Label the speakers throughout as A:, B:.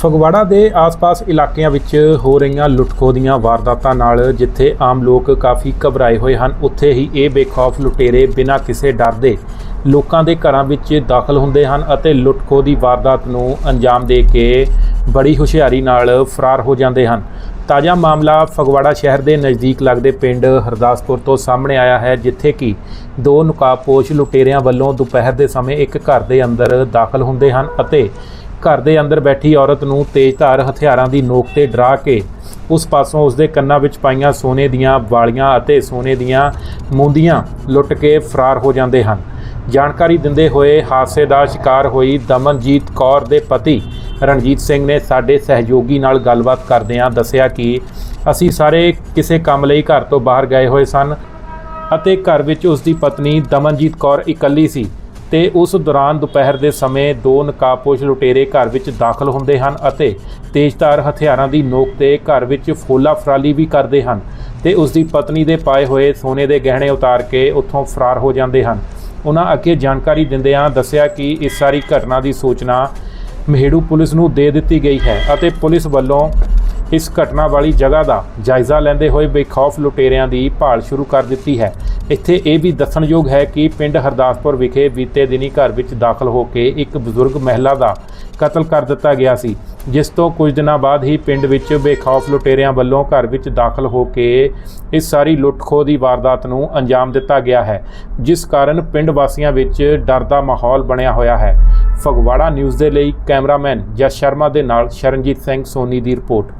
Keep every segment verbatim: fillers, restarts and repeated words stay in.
A: ਫਗਵਾੜਾ ਦੇ ਆਸ-ਪਾਸ ਇਲਾਕਿਆਂ ਵਿੱਚ ਹੋ ਰਹੀਆਂ ਲੁੱਟ-ਖੋਹ ਦੀਆਂ ਵਾਰਦਾਤਾਂ ਨਾਲ ਜਿੱਥੇ ਆਮ ਲੋਕ ਕਾਫੀ ਘਬਰਾਏ ਹੋਏ ਹਨ, ਉੱਥੇ ਹੀ ਇਹ ਬੇਖੌਫ ਲੁਟੇਰੇ ਬਿਨਾਂ ਕਿਸੇ ਡਰ ਦੇ ਲੋਕਾਂ ਦੇ ਘਰਾਂ ਵਿੱਚ ਦਾਖਲ ਹੁੰਦੇ ਹਨ ਅਤੇ ਲੁੱਟ-ਖੋਹ ਦੀ ਵਾਰਦਾਤ ਨੂੰ ਅੰਜਾਮ ਦੇ ਕੇ ਬੜੀ ਹੁਸ਼ਿਆਰੀ ਨਾਲ ਫਰਾਰ ਹੋ ਜਾਂਦੇ ਹਨ। ਤਾਜ਼ਾ ਮਾਮਲਾ ਫਗਵਾੜਾ ਸ਼ਹਿਰ ਦੇ ਨਜ਼ਦੀਕ ਲੱਗਦੇ ਪਿੰਡ ਹਰਦਾਸਪੁਰ ਤੋਂ ਸਾਹਮਣੇ ਆਇਆ ਹੈ, ਜਿੱਥੇ ਕਿ ਦੋ ਨਕਾਬਪੋਸ਼ ਲੁਟੇਰਿਆਂ ਵੱਲੋਂ ਦੁਪਹਿਰ ਦੇ ਸਮੇਂ ਇੱਕ ਘਰ ਦੇ ਅੰਦਰ ਦਾਖਲ ਹੁੰਦੇ ਹਨ ਅਤੇ ਘਰ ਦੇ ਅੰਦਰ ਬੈਠੀ ਔਰਤ ਨੂੰ ਤੇਜ਼ਧਾਰ ਹਥਿਆਰਾਂ ਦੀ ਨੋਕ ਤੇ ਡਰਾ ਕੇ ਉਸ ਪਾਸੋਂ ਉਸਦੇ ਕੰਨਾਂ ਵਿੱਚ ਪਾਈਆਂ ਸੋਨੇ ਦੀਆਂ ਵਾਲੀਆਂ ਅਤੇ ਸੋਨੇ ਦੀਆਂ ਮੁੰਦੀਆਂ ਲੁੱਟ ਕੇ ਫਰਾਰ ਹੋ ਜਾਂਦੇ ਹਨ। ਜਾਣਕਾਰੀ ਦਿੰਦੇ ਹੋਏ ਹਾਦਸੇ ਦਾ ਸ਼ਿਕਾਰ ਹੋਈ ਦਮਨਜੀਤ ਕੌਰ ਦੇ ਪਤੀ ਰਣਜੀਤ ਸਿੰਘ ਨੇ ਸਾਡੇ ਸਹਿਯੋਗੀ ਨਾਲ ਗੱਲਬਾਤ ਕਰਦਿਆਂ ਦੱਸਿਆ ਕਿ ਅਸੀਂ ਸਾਰੇ ਕਿਸੇ ਕੰਮ ਲਈ ਘਰ ਤੋਂ ਬਾਹਰ ਗਏ ਹੋਏ ਸਨ ਅਤੇ ਘਰ ਵਿੱਚ ਉਸ ਦੀ ਪਤਨੀ ਦਮਨਜੀਤ ਕੌਰ ਇਕੱਲੀ ਸੀ ਤੇ ਉਸ ਦੌਰਾਨ ਦੁਪਹਿਰ ਦੇ ਸਮੇਂ ਦੋ ਨਕਾਬਪੋਸ਼ ਲੁਟੇਰੇ ਘਰ ਵਿੱਚ ਦਾਖਲ ਹੁੰਦੇ ਹਨ ਅਤੇ ਤੇਜ਼ਧਾਰ ਹਥਿਆਰਾਂ ਦੀ ਨੋਕ ਤੇ ਘਰ ਵਿੱਚ ਫੋਲਾ ਫਰਾਲੀ ਵੀ ਕਰਦੇ ਹਨ ਤੇ ਉਸ ਦੀ ਪਤਨੀ ਦੇ ਪਾਏ ਹੋਏ ਸੋਨੇ ਦੇ ਗਹਿਣੇ ਉਤਾਰ ਕੇ ਉੱਥੋਂ ਫਰਾਰ ਹੋ ਜਾਂਦੇ ਹਨ। ਉਹਨਾਂ ਅੱਗੇ ਜਾਣਕਾਰੀ ਦਿੰਦਿਆਂ ਦੱਸਿਆ ਕਿ ਇਸ ਸਾਰੀ ਘਟਨਾ ਦੀ ਸੂਚਨਾ ਮਹੇੜੂ ਪੁਲਿਸ ਨੂੰ ਦੇ ਦਿੱਤੀ ਗਈ ਹੈ ਅਤੇ ਪੁਲਿਸ ਵੱਲੋਂ ਇਸ ਘਟਨਾ ਵਾਲੀ ਜਗ੍ਹਾ ਦਾ ਜਾਇਜ਼ਾ ਲੈਂਦੇ ਹੋਏ ਬੇਖੌਫ ਲੁਟੇਰਿਆਂ ਦੀ ਭਾਲ ਸ਼ੁਰੂ ਕਰ ਦਿੱਤੀ ਹੈ। ਇੱਥੇ ਇਹ ਵੀ ਦੱਸਣਯੋਗ ਹੈ ਕਿ ਪਿੰਡ ਹਰਦਾਸਪੁਰ ਵਿਖੇ ਬੀਤੇ ਦਿਨੀ ਘਰ ਵਿੱਚ ਦਾਖਲ ਹੋ ਕੇ ਇੱਕ ਬਜ਼ੁਰਗ ਮਹਿਲਾ ਦਾ ਕਤਲ ਕਰ ਦਿੱਤਾ ਗਿਆ ਸੀ, ਜਿਸ ਤੋਂ ਕੁਝ ਦਿਨਾਂ ਬਾਅਦ ਹੀ ਪਿੰਡ ਵਿੱਚ ਬੇਖੌਫ ਲੁਟੇਰਿਆਂ ਵੱਲੋਂ ਘਰ ਵਿੱਚ ਦਾਖਲ ਹੋ ਕੇ ਇਸ ਸਾਰੀ ਲੁੱਟ-ਖੋਹ ਦੀ ਵਾਰਦਾਤ ਨੂੰ ਅੰਜਾਮ ਦਿੱਤਾ ਗਿਆ ਹੈ, ਜਿਸ ਕਾਰਨ ਪਿੰਡ ਵਾਸੀਆਂ ਵਿੱਚ ਡਰ ਦਾ ਮਾਹੌਲ ਬਣਿਆ ਹੋਇਆ ਹੈ। ਫਗਵਾੜਾ ਨਿਊਜ਼ ਦੇ ਲਈ ਕੈਮਰਾਮੈਨ ਜਸ ਸ਼ਰਮਾ ਦੇ ਨਾਲ ਸ਼ਰਨਜੀਤ ਸਿੰਘ ਸੋਨੀ ਦੀ ਰਿਪੋर्ट।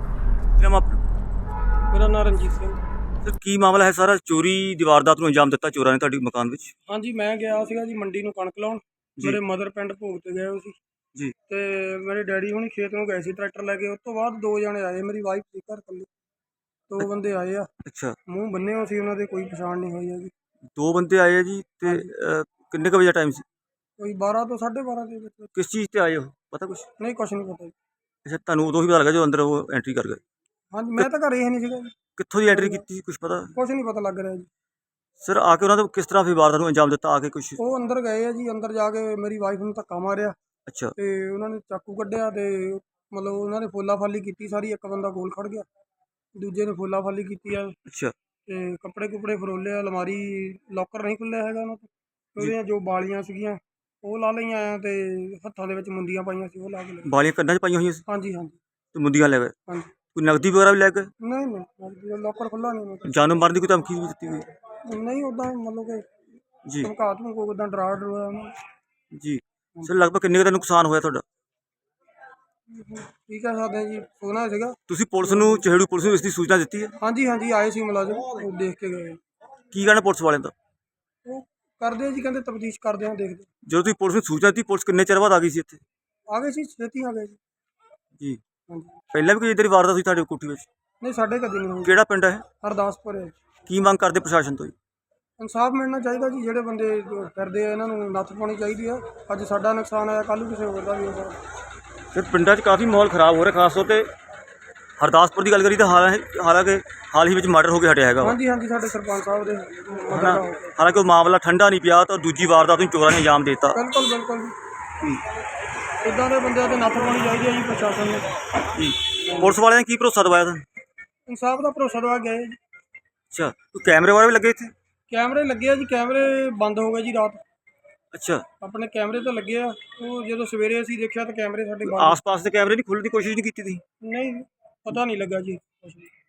B: मेरा नाम रंजीत सिंह।
C: सर की मामला है सारा चोरी ਦੀ ਵਾਰਦਾਤ ਨੂੰ ਅੰਜਾਮ ਦਿੱਤਾ ਚੋਰਾਂ ਨੇ ਤੁਹਾਡੇ ਮਕਾਨ ਵਿੱਚ?
B: ਹਾਂਜੀ ਮੈਂ ਗਿਆ ਸੀਗਾ ਜੀ ਮੰਡੀ ਨੂੰ ਕਣਕ ਲਾਉਣ। ਮੇਰੇ ਮਦਰ ਪਿੰਡ ਭੋਗ ਤੇ ਗਏ ਹੋਏ ਸੀ
C: ਜੀ
B: ਤੇ ਮੇਰੇ ਡੈਡੀ ਹੁਣੀ ਖੇਤ ਨੂੰ ਗਏ ਸੀ ਟਰੈਕਟਰ ਲੈ ਕੇ। ਉਸ ਤੋਂ ਬਾਅਦ ਦੋ ਜਣੇ ਆਏ, ਮੇਰੀ ਵਾਈਫ ਸੀ ਘਰ ਇਕੱਲੀ। ਦੋ ਬੰਦੇ ਆਏ ਆ,
C: ਅੱਛਾ
B: ਮੂੰਹ ਬੰਨੇ ਹੋਏ ਸੀ, ਉਹਨਾਂ ਦੇ ਕੋਈ ਪਛਾਣ ਨਹੀਂ ਹੋਈ ਹੈਗੀ।
C: ਦੋ ਬੰਦੇ ਆਏ ਆ ਜੀ ਤੇ ਕਿੰਨੇ ਕੁ ਵਜੇ ਟਾਈਮ ਸੀ?
B: ਕੋਈ ਬਾਰਾਂ ਤੋਂ ਸਾਢੇ ਬਾਰਾਂ ਦੇ ਵਿੱਚ।
C: ਕਿਸ ਚੀਜ਼ ਤੇ ਆਏ ਹੋ ਪਤਾ ਕੁਛ?
B: ਨਹੀਂ ਕੁਛ ਨਹੀਂ ਪਤਾ ਜੀ।
C: ਅੱਛਾ ਤੁਹਾਨੂੰ ਉਦੋਂ ਹੀ ਪਤਾ ਲੱਗਾ ਜੋ ਅੰਦਰ ਉਹ ਐਂਟਰੀ ਕਰ ਗਏ?
B: ਹਾਂਜੀ ਮੈਂ ਤਾਂ ਘਰੇ ਹੀ ਨਹੀਂ ਸੀਗਾ ਜੀ।
C: ਕਿੱਥੋਂ ਦੀ ਐਂਟਰੀ ਕੀਤੀ ਕੁਛ ਪਤਾ?
B: ਕੁਛ ਨਹੀਂ ਪਤਾ ਲੱਗ ਰਿਹਾ ਜੀ।
C: ਸਰ ਆ ਕੇ ਉਹਨਾਂ ਨੇ ਕਿਸ ਤਰ੍ਹਾਂ ਫਿਰ ਵਾਰਦਾਤ ਨੂੰ ਅੰਜਾਮ ਦਿੱਤਾ? ਆ ਕੇ ਕੁਛ
B: ਉਹ ਅੰਦਰ ਗਏ ਆ ਜੀ, ਅੰਦਰ ਜਾ ਕੇ ਮੇਰੀ ਵਾਈਫ ਨੂੰ ਧੱਕਾ ਮਾਰਿਆ
C: ਅੱਛਾ
B: ਤੇ ਉਹਨਾਂ ਨੇ ਚਾਕੂ ਕੱਢਿਆ ਤੇ ਮਤਲਬ ਉਹਨਾਂ ਨੇ ਫੋਲਾ ਫਾਲੀ ਕੀਤੀ ਸਾਰੀ। ਇੱਕ ਬੰਦਾ ਕੋਲ ਖੜ ਗਿਆ, ਦੂਜੇ ਨੇ ਫੋਲਾ ਫਾਲੀ ਕੀਤੀ ਆ
C: ਅੱਛਾ
B: ਤੇ ਕੱਪੜੇ ਕੁਪੜੇ ਫਰੋਲੇ, ਅਲਮਾਰੀ ਲੋਕਰ ਨਹੀਂ ਖੁੱਲਿਆ ਹੈਗਾ ਉਹਨਾਂ ਤੋਂ। ਉਹਦੀਆਂ ਜੋ ਬਾਲੀਆਂ ਸੀਗੀਆਂ ਉਹ ਲਾ ਲਈਆਂ ਆ ਤੇ ਹੱਥਾਂ ਦੇ ਵਿੱਚ ਮੁੰਦੀਆਂ ਪਾਈਆਂ ਸੀ ਉਹ ਲਾ ਕੇ ਲੈ ਗਏ।
C: ਬਾਲੀਆਂ ਕੰਨਾਂ 'ਚ ਪਾਈਆਂ ਹੋਈਆਂ ਸੀ
B: ਹਾਂਜੀ ਹਾਂਜੀ
C: ਤੇ ਮੁੰਦੀਆਂ ਲੈ ਗਏ?
B: ਹਾਂਜੀ।
C: ਕੋਈ ਨਕਦੀ ਵਗੈਰਾ ਵੀ ਲੈ ਗਏ?
B: ਨਹੀਂ ਨਹੀਂ ਲੋਕਰ ਖੁੱਲਾ ਨਹੀਂ।
C: ਜਾਨੋਂ ਮਾਰਨ ਦੀ ਕੋਈ ਧਮਕੀ ਵੀ ਦਿੱਤੀ ਹੋਈ?
B: ਨਹੀਂ ਉੱਦਾਂ ਮਤਲਬ ਕਿ
C: ਜੀ
B: ਧਮਕਾ ਧਮਕ ਉੱਦਾਂ ਡਰਾ ਡਰੋਇਆ ਉਹਨਾਂ
C: ਜੀ। ਸਰ ਲਗਭਗ ਕਿੰਨੇ ਕੁ ਦਾ ਨੁਕਸਾਨ ਹੋਇਆ ਤੁਹਾਡਾ?
B: ਕੀ ਕਹਿ ਸਕਦੇ ਜੀ, ਸੋਨਾ ਸੀਗਾ।
C: ਤੁਸੀਂ ਪੁਲਿਸ ਨੂੰ ਚਿਹੜੂ ਪੁਲਿਸ ਨੂੰ ਇਸ ਦੀ ਸੂਚਨਾ ਦਿੱਤੀ ਹੈ? ਹਾਂਜੀ
B: ਹਾਂਜੀ ਆਏ ਸੀ ਮੁਲਾਜ਼ਮ, ਉਹ ਦੇਖ ਕੇ ਗਏ।
C: ਕੀ ਕਹਿਣਾ ਪੁਲਿਸ ਵਾਲਿਆਂ ਦਾ?
B: ਉਹ ਕਰਦੇ ਆ ਜੀ, ਕਹਿੰਦੇ ਤਫਤੀਸ਼ ਕਰਦੇ ਆ, ਦੇਖਦੇ।
C: ਜਦੋਂ ਤੁਸੀਂ ਪੁਲਿਸ ਨੂੰ ਸੂਚਨਾ ਦਿੱਤੀ, ਪੁਲਿਸ ਕਿੰਨੇ ਚਿਰ ਬਾਅਦ ਆ ਗਈ ਸੀ ਇੱਥੇ?
B: ਆ ਗਏ ਸੀ, ਛੇਤੀ ਆ ਗਏ ਜੀ।
C: ਜੀ
B: ਹਾਂਜੀ।
C: ਪਹਿਲਾਂ ਵੀ ਕੋਈ ਇੱਧਰ ਦੀ ਵਾਰਦਾਤ ਹੋਈ ਤੁਹਾਡੇ ਕੋਠੀ ਵਿੱਚ?
B: ਨਹੀਂ ਸਾਡੇ ਕਦੇ ਨਹੀਂ ਹੋਈ।
C: ਕਿਹੜਾ ਪਿੰਡ ਹੈ?
B: ਹਰਦਾਸਪੁਰ ਹੈ।
C: ਕੀ ਮੰਗ ਕਰਦੇ ਪ੍ਰਸ਼ਾਸਨ ਤੋਂ?
B: ਇਨਸਾਫ ਮਿਲਣਾ ਚਾਹੀਦਾ ਜੀ, ਜਿਹੜੇ ਬੰਦੇ ਕਰਦੇ ਆ ਇਹਨਾਂ ਨੂੰ ਨੱਥ ਪਾਉਣੀ ਚਾਹੀਦੀ ਆ। ਅੱਜ ਸਾਡਾ ਨੁਕਸਾਨ ਆਇਆ, ਕੱਲ੍ਹ ਨੂੰ ਕਿਸੇ ਹੋਰ ਦਾ ਵੀ ਹੋਗਾ।
C: ਫਿਰ ਪਿੰਡਾਂ 'ਚ ਕਾਫੀ ਮਾਹੌਲ ਖਰਾਬ ਹੋ ਰਿਹਾ, ਖਾਸ ਤੌਰ 'ਤੇ ਹਰਦਾਸਪੁਰ ਦੀ ਗੱਲ ਕਰੀ ਤਾਂ ਹਾਲਾਂ ਹਾਲਾਂਕਿ ਹਾਲ ਹੀ ਵਿੱਚ ਮਰਡਰ ਹੋ ਕੇ ਹਟਿਆ ਹੈਗਾ।
B: ਹਾਂਜੀ ਹਾਂਜੀ ਸਾਡੇ ਸਰਪੰਚ ਸਾਹਿਬ ਦੇ
C: ਹਨਾ, ਹਾਲਾਂਕਿ ਉਹ ਮਾਮਲਾ ਠੰਡਾ ਨਹੀਂ ਪਿਆ ਤਾਂ ਦੂਜੀ ਵਾਰਦਾਤ ਨੂੰ ਚੋਰਾਂ ਨੇ ਅੰਜਾਮ ਦੇ ਦਿੱਤਾ।
B: ਬਿਲਕੁਲ ਬਿਲਕੁਲ ਜੀ। ਇੱਦਾਂ ਦੇ ਬੰਦਿਆਂ 'ਤੇ ਨੱਥ ਪਾਉਣੀ ਚਾਹੀਦੀ ਹੈ ਜੀ ਪ੍ਰਸ਼ਾਸਨ ਨੂੰ।
C: ਜੀ ਪੁਲਿਸ ਵਾਲਿਆਂ ਨੇ ਕੀ ਭਰੋਸਾ ਦਵਾਇਆ ਤੁਹਾਨੂੰ?
B: ਇਨਸਾਫ ਦਾ ਭਰੋਸਾ ਦਵਾ ਗਏ ਜੀ।
C: ਅੱਛਾ ਕੋਈ ਕੈਮਰੇ ਵਗੈਰਾ ਵੀ ਲੱਗੇ ਇੱਥੇ?
B: ਕੈਮਰੇ ਲੱਗੇ ਆ ਜੀ, ਕੈਮਰੇ ਬੰਦ ਹੋ ਗਏ ਜੀ ਰਾਤ।
C: ਅੱਛਾ
B: ਆਪਣੇ ਕੈਮਰੇ ਤਾਂ ਲੱਗੇ ਆ, ਉਹ ਜਦੋਂ ਸਵੇਰੇ ਅਸੀਂ ਦੇਖਿਆ ਤਾਂ ਕੈਮਰੇ ਸਾਡੇ ਬੰਦ।
C: ਆਸ-ਪਾਸ ਦੇ ਕੈਮਰੇ ਨਹੀਂ ਖੋਲ੍ਹਣ ਦੀ ਕੋਸ਼ਿਸ਼ ਨਹੀਂ ਕੀਤੀ ਤੁਸੀਂ?
B: ਨਹੀਂ ਪਤਾ ਨਹੀਂ ਲੱਗਾ ਜੀ ਕੁਛ ਵੀ।